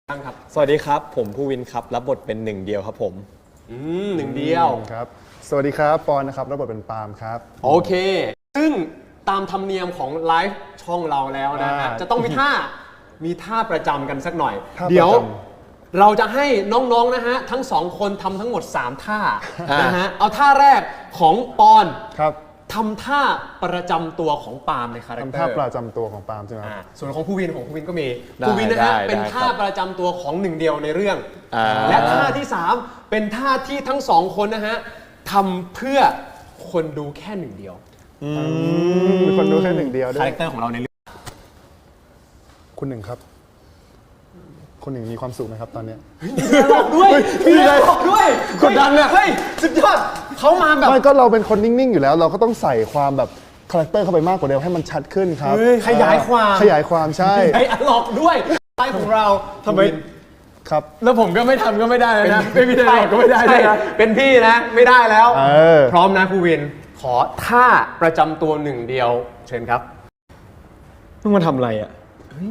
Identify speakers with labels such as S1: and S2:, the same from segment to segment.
S1: บ้างครับ
S2: สวัสดีครับผมภูวินครับรับบทเป็นหนึ่งเดียวครับผม
S1: หนึ่งเดียว
S3: ครับสวัสดีครับปอนนะครับรับบทเป็นปาล์มครับ
S1: โอเคซึ่งตามธรรมเนียมของไลฟ์ช่องเราแล้วนะฮะจะต้องมีท่าประจำกันสักหน่อยเดี๋ยวเราจะให้น้องๆนะฮะทั้งสองคนทำทั้งหมด3ท่านะฮะเอาท่าแรกของปอน
S3: ครับ
S1: ทำท่าประจำตัวของปาล์มในคาแรคเตอร์
S3: ทำท่าประจำตัวของปาล์มใช่ไหมครับ
S1: ส่วนของภูวินก็มีภูวินนะฮะเป็นท่าประจำตัวของหนึ่งเดียวในเรื่องและท่าที่3เป็นท่าที่ทั้งสองคนนะฮะทำเพื่อคนดูแค่หนึ่งเดียว
S3: มีคนดูแค่หนึ่งเดียวด้ว
S1: คาย แรคเตอร์ของเราในเรื่อง
S3: คุณหนึ่งครับคุณหนึ่งมีความสุขไหมครับตอนนี้
S1: บอกด้วยบอกด้วยกดดันเนี่ยเฮ้ยสุดยอดเขามาแบบ
S3: ไม่ก็เราเป็นคนนิ่งๆอยู่แล้ว เราก็ต้องใส่ความแบบคาแรคเตอร์เข้าไปมากกว่าเดิมให้มันชัดขึ้นครับ
S1: ขยายความ
S3: ใช่
S1: ไอ้อลอกด้วยไลฟ์ของเรา
S2: ทำไม
S3: ครับ
S2: แล้วผมก็ไม่ทำก็ไม่ได้นะไม่มีได้ก็ไม่ได้นะ
S1: เป็นพี่นะไม่ได้แล้วพร้อมนะภูวินขอท่าประจำตัวหนึ่งเดียวเชิญครับ
S2: มึงมาทำอะไรอ่ะ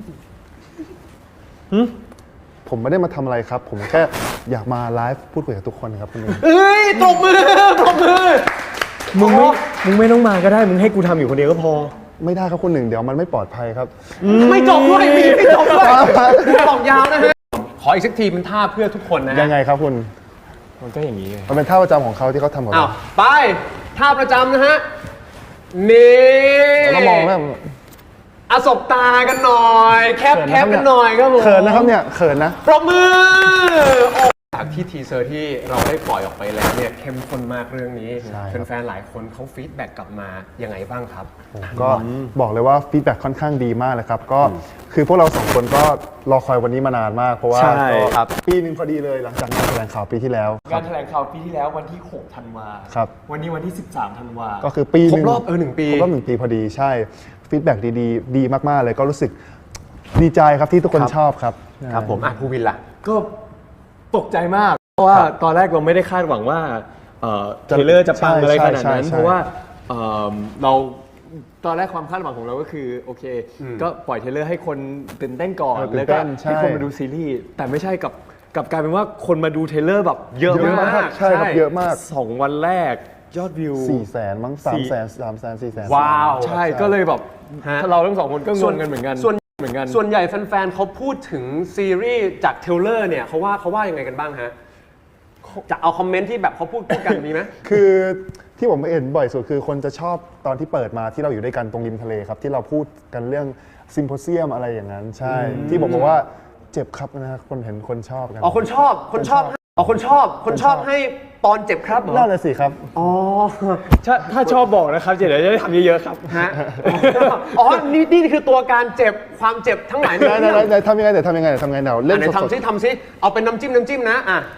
S3: ผมไม่ได้มาทำอะไรครับผมแค่อยากมาไลฟ์พูดคุยกับทุกคนครับคุณหนึ่ง
S1: ตบมือ
S2: มึงไม่ต้องมาก็ได้มึงให้กูทำอยู่คนเดียวก็พอ
S3: ไม่ได้ครับคุณหนึ่งเดี๋ยวมันไม่ปลอดภัยครับ
S1: ไม่จบด้วยไม่จบด้วยบอกยาวนะฮะขออีกสักทีเป็นท่าเพื่อทุกคนนะ
S3: ยังไงครับคุณ
S2: มันก็อย่างนี้
S3: มันเป็นท่าประจำของเขาที่เขาทำกับเรา
S1: ไปท่าประจำนะฮะนี่
S3: เรามองแล้ว
S1: สบตากันหน่อยแคปกันหน่อยครับผม
S3: เขินนะครับเนี่ยเขินนะ
S1: ปรบมือจากที่ทีเซอร์ที่เราได้ปล่อยออกไปแล้วเนี่ยเข้มข้นมากเรื่องนี้แฟนๆหลายคนเขาฟีดแบ็กกลับมายังไงบ้างครับ
S3: ก็บอกเลยว่าฟีดแบ็กค่อนข้างดีมากเลยครับก็คือพวกเราสองคนก็รอคอยวันนี้มานานมากเพราะว่าปีนึงพอดีเลยหลังจากงานแถลงข่าวปีที่แล้ว
S2: งานแถลงข่าวปีที่แล้ววันที่6 ธันวา
S3: ครับ
S2: วันนี้วันที่13 ธันวา
S3: ก็คือปีนึง
S1: ครบรอบ1 ปี
S3: ครบรอบ1 ปีพอดีใช่ฟีดแบ็กดีมากๆเลยก็รู้สึกดีใจครับที่ทุกคนชอบครับ
S1: ครับผมภูวินล่ะ
S2: ก็ตกใจมากเพราะว่าตอนแรกเราไม่ได้คาดหวังว่าเทรลเลอร์จะปังอะไรขนาดนั้นเพราะว่าเราตอนแรกความคาดหวังของเราก็คือโอเคก็ปล่อยเทรลเลอร์ให้คนตื่นเต้นก่อนแล้วก็ให้คนมาดูซีรีส์แต่ไม่ใช่กับกลายเป็นว่าคนมาดูเทรลเลอร์แบบเยอะมาก
S3: ใช่ครับเยอะมาก
S2: 2 วันแรกยอดวิว
S3: 400,000มั้ง300,000 400,000
S1: ว้าว
S2: ใช่ก็เลยแบบเราทั้ง2 คนก็งงกันเหมือนกัน
S1: ส่วนใหญ่แฟนๆเขาพูดถึงซีรีส์จากเทรลเลอร์เนี่ยเขาว่ายังไงกันบ้างฮะจะเอาคอมเมนต์ที่แบบเขาพูดกันมีไหม
S3: คือที่ผมเห็นบ่อยสุดคือคนจะชอบตอนที่เปิดมาที่เราอยู่ด้วยกันตรงริมทะเลครับที่เราพูดกันเรื่องซิมโพเซียมอะไรอย่างนั้นใช่ที่ผมบอกว่าเจ็บครับนะคนเห็นคนชอบกัน
S1: คนชอบให้ปอนเจ็บครับ
S3: น่าเลยสิครับ
S2: ถ้าชอบบอกนะครับเดี๋ยวจะได้ทำเยอะๆครับ
S1: ฮะนี่คือตัวการเจ็บความเจ็บทั้งหลาย
S3: ไหนทำยังไงเดี๋ยวเล่น
S1: ทำซิเอาเป็นน้ำจิ้มนะ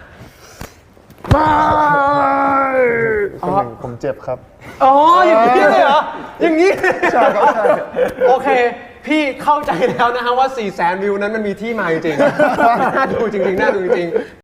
S3: ผมเจ็บครับ
S1: อย่างนี้เลยเหรออย่างนี้ใช่ครับใช่โอเคพี่เข้าใจแล้วนะฮะว่า400,000 วิวนั้นมันมีที่มาจริงๆน่าดูจริง